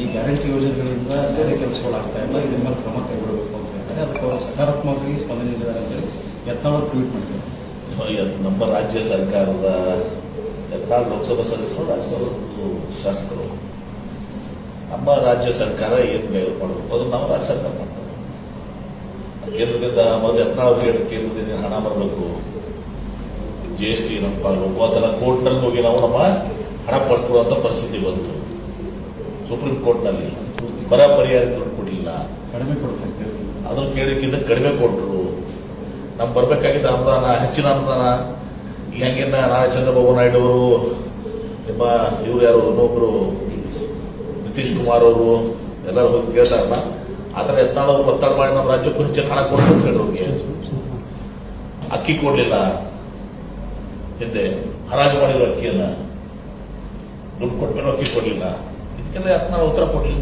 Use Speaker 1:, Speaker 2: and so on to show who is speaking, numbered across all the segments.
Speaker 1: Guarantee ಯೋಜನೆಗಳಿಂದ ಬೇರೆ ಕೆಲಸಗಳಾಗ್ತಾ ಇಲ್ಲ, ಇದ್ರ ಮೇಲೆ ಕ್ರಮ ಕೈಗೊಳ್ಳಬೇಕು ಅಂತ ಹೇಳ್ತಾರೆ. ಅದಕ್ಕೆ ಅವರು ಸಕಾರಾತ್ಮಕವಾಗಿ ಸ್ಪಂದನೆ ನೀಡಿದ್ದಾರೆ ಅಂತೇಳಿ ಯತ್ನಾಳ್ ಟ್ವೀಟ್ ಮಾಡಿದ್ದಾರೆ.
Speaker 2: ನಮ್ಮ ರಾಜ್ಯ ಸರ್ಕಾರದ ಯತ್ನಾಳ್ ಲೋಕಸಭಾ ಸದಸ್ಯರು, ರಾಜ್ಯಸಭಾ ಶಾಸಕರು, ನಮ್ಮ ರಾಜ್ಯ ಸರ್ಕಾರ ಏನು ಕೈಗೊಳ್ಳು ಮಾಡಬೇಕು ಅದು ನಮ್ಮ ರಾಜ್ಯ ಸರ್ಕಾರ ಮಾಡ್ತಾರೆ. ಕೇಂದ್ರದಿಂದ ಮೊದಲು ಯತ್ನಾಳ್ ಅವರಿಗೆ ಕೇಂದ್ರದಿಂದ ಹಣ ಬರಬೇಕು, GST ನಮ್ಮ ಹೋದ್ಸಲ ಕೋರ್ಟ್ನಲ್ಲಿ ಹೋಗಿ ನಾವು ನಮ್ಮ ಹಣ ಪಡ್ಕೊಳ್ಳುವಂತ ಪರಿಸ್ಥಿತಿ ಬಂತು. ಸುಪ್ರೀಂ ಕೋರ್ಟ್ನಲ್ಲಿ ಬರ ಪರಿಹಾರ ದುಡ್ಡು ಕೊಡಲಿಲ್ಲ,
Speaker 1: ಕಡಿಮೆ ಕೊಡ್ಸಕ್ಕೆ
Speaker 2: ಅದನ್ನು ಕೇಳಿಕ್ಕಿಂತ ಕಡಿಮೆ ಕೊಟ್ಟರು. ನಮ್ಗೆ ಬರಬೇಕಾಗಿದ್ದ ಅನುದಾನ, ಹೆಚ್ಚಿನ ಅನುದಾನ ಈ ಹಂಗೇನ ನಾಳೆ ಚಂದ್ರಬಾಬು ನಾಯ್ಡು ಅವರು, ನಿಮ್ಮ ಇವ್ರು ಯಾರು ಇನ್ನೊಬ್ರು ನಿತೀಶ್ ಕುಮಾರ್ ಅವರು ಎಲ್ಲರೂ ಹೋಗಿ ಕೇಳ್ತಾರಲ್ಲ, ಆ ಥರ ಯತ್ನಾಳ್ ಅವರು ಒತ್ತಡ ಮಾಡಿ ನಮ್ಮ ರಾಜ್ಯಕ್ಕೂ ಹೆಚ್ಚಿನ ಹಣ ಕೊಡ್ಬೇಕು ಅವ್ರಿಗೆ. ಅಕ್ಕಿ ಕೊಡ್ಲಿಲ್ಲ, ಹಿಂದೆ ಹರಾಜು ಮಾಡಿದ್ರು ಅಕ್ಕಿಯನ್ನ, ದುಡ್ಡು ಕೊಟ್ಮೇಲೆ ಅಕ್ಕಿ ಕೊಡ್ಲಿಲ್ಲ. ಇದಕ್ಕೆಲ್ಲ ಯತ್ನಾಳ್ ಉತ್ತರ ಕೊಡ್ಲಿಲ್ಲ.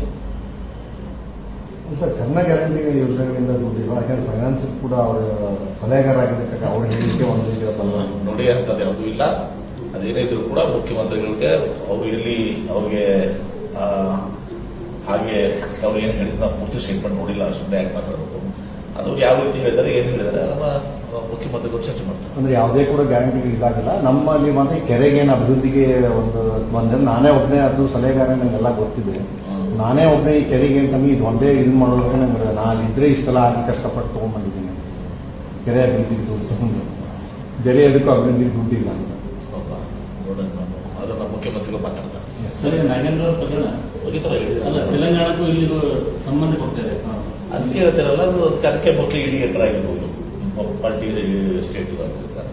Speaker 3: ಸರ್, ಕನ್ನ ಗ್ಯಾರಂಟಿ ಯೋಜನೆಗಳಿಂದ ದುಡ್ಡಿಲ್ಲ, ಯಾಕಂದ್ರೆ ಫೈನಾನ್ಸ್ ಕೂಡ ಅವರ ಸಲಹೆಗಾರ ಆಗಿದ್ದಕ್ಕೆ ಅವ್ರ ಹೇಳಿಕೆ ಒಂದು ಈಗ
Speaker 2: ನೋಡಿ ಅಂತದ್ದು ಯಾವುದೂ ಇಲ್ಲ. ಅದೇನೇ ಇದ್ರು ಕೂಡ ಮುಖ್ಯಮಂತ್ರಿಗಳಿಗೆ ಅವರು ಎಲ್ಲಿ ಅವ್ರಿಗೆ ಹಾಗೆ ಅವ್ರು ಏನು ಹೇಳಿದ್ರು ನಾವು ಪೂರ್ತಿ ಸ್ಟೇಟ್ಮೆಂಟ್ ನೋಡಿಲ್ಲ, ಸುಮ್ಮನೆ ಯಾಕೆ ಮಾತಾಡಬೇಕು. ಅದು ಯಾವ ರೀತಿ ಹೇಳಿದ್ದಾರೆ, ಏನು ಹೇಳಿದ್ದಾರೆ ಅದನ್ನ ಮುಖ್ಯಮಂತ್ರಿಗಳು ಚರ್ಚೆ ಮಾಡ್ತಾರೆ.
Speaker 3: ಅಂದ್ರೆ ಯಾವುದೇ ಕೂಡ ಗ್ಯಾರಂಟಿ ಇದಾಗಿಲ್ಲ. ನಮ್ಮಲ್ಲಿ ಮಾತ್ರ ಕೆರೆಗೆ ಏನು ಅಭಿವೃದ್ಧಿಗೆ ಒಂದು ನಾನೇ ಒಬ್ಬನೇ ಅದು ಸಲಹೆಗಾರ ನಂಗೆಲ್ಲ ಗೊತ್ತಿದೆ. ನಾನೇ ಒಬ್ಬನೇ ಈ ಕೆರೆಗೆ ನಮಗೆ ಇದು ಒಂದೇ ಇದು ಮಾಡೋದಕ್ಕೆ ನಂಗೆ ನಾನು ಇದ್ರೆ ಇಷ್ಟೆಲ್ಲ ಆಗಿ ಕಷ್ಟಪಟ್ಟು ತೊಗೊಂಡ್ಬಂದಿದ್ದೀನಿ. ಕೆರೆ ಅಭಿವೃದ್ಧಿಗೆ ದುಡ್ಡು ತಗೊಂಡು ಬೇರೆ ಅದಕ್ಕೂ ಅಭಿವೃದ್ಧಿಗೆ ದುಡ್ಡಿಲ್ಲ ಅಂತ
Speaker 2: ನೋಡೋಣ, ನಾನು ಅದನ್ನ ಮುಖ್ಯಮಂತ್ರಿಗಳು ಮಾತಾಡ್ತಾರೆ.
Speaker 4: ಸರಿ, ನಾಗೇಂದ್ರ ಅವ್ರ ಪ್ರಕರಣ ಅಲ್ಲ, ತೆಲಂಗಾಣಕ್ಕೂ ಇಲ್ಲಿಗೂ ಸಂಬಂಧ ಕೊಡ್ತಾರೆ.
Speaker 2: ಅದಕ್ಕೆ ಹೇಳ್ತಾರಲ್ಲ, ಅದಕ್ಕೆ ಮೋಸ್ಟ್ಲಿ ಇಡೀ ಎತ್ತರ ಆಗಿರ್ಬೋದು, ಪಾರ್ಟಿ ಸ್ಟೇಟ್ ಆಗಿರ್ತಾರೆ.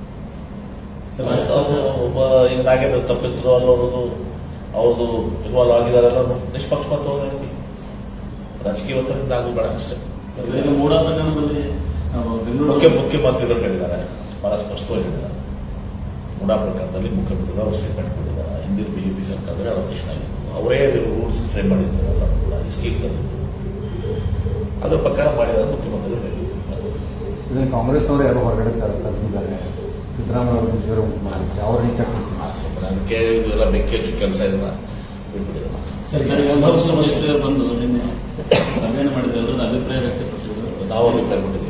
Speaker 2: ಒಬ್ಬ ಈಗ ನಾಗೇಂದ್ರ ತಪ್ಪಿದ್ರು ಅನ್ನೋದು ಅವ್ರದ್ದು ಇನ್ವಾಲ್ವ್ ಆಗಿದ್ದಾರೆ ಅನ್ನೋದು ನಿಷ್ಪಕ್ಷಪಾತವಾಗಿ ರಾಜಕೀಯ ಒತ್ತಡದಿಂದ ಆಗಬೇಡ ಅಷ್ಟೇ.
Speaker 4: ಮೂಡ ಪ್ರಕರಣದಲ್ಲಿ
Speaker 2: ಮುಖ್ಯಮಂತ್ರಿಗಳು ಹೇಳಿದ್ದಾರೆ, ಬಹಳ ಸ್ಪಷ್ಟವಾಗಿ ಹೇಳಿದ್ದಾರೆ. ಮುಡಾ ಪ್ರಕರಣದಲ್ಲಿ ಮುಖ್ಯಮಂತ್ರಿಗಳು ಅವರು ಸ್ಟೇಟ್ಮೆಂಟ್ ಕೊಟ್ಟಿದ್ದಾರೆ. ಹಿಂದಿನ ಬಿಜೆಪಿ ಸರ್ಕಾರದಲ್ಲಿ ಅವಕಾಶ ಆಗಿತ್ತು, ಅವರೇ ರೂಲ್ಸ್ ಫ್ರೇಮ್ ಮಾಡಿದ್ದಾರಲ್ಲ ಕೂಡ ಸ್ಕೀಮ್ನಲ್ಲಿ, ಅದರ ಪ್ರಕಾರ ಮಾಡಿದ್ದಾರೆ ಮುಖ್ಯಮಂತ್ರಿಗಳು ಹೇಳಿದ್ದಾರೆ.
Speaker 3: ಇದನ್ನು ಕಾಂಗ್ರೆಸ್ನವರು ಯಾರು ಹೊರಗಡೆ ತರ್ತಿದ್ದಾರೆ, ಸಿದ್ದರಾಮಯ್ಯ ಅವರು ಮುಜುಗರ ಉಂಟು ಮಾಡಿದ್ದಾರೆ, ಅವ್ರನ್ನ
Speaker 2: ಅದಕ್ಕೆ ಇದೆಲ್ಲ ಬೆಂಕಿ ಹಚ್ಚು ಕೆಲಸ ಇದನ್ನ ಬಿಟ್ಬಿಟ್ಟಿದ್ದಾರೆ.
Speaker 4: ಸರ್ಕಾರಿ ಬಂದು ನಿನ್ನೆ ಸಭೆಯನ್ನು ಮಾಡಿದ್ರೆ ಅಭಿಪ್ರಾಯ ವ್ಯಕ್ತಪಡಿಸಿದ್ರು.
Speaker 2: ನಾವು ಅಭಿಪ್ರಾಯ ಕೊಟ್ಟಿದ್ದೀವಿ.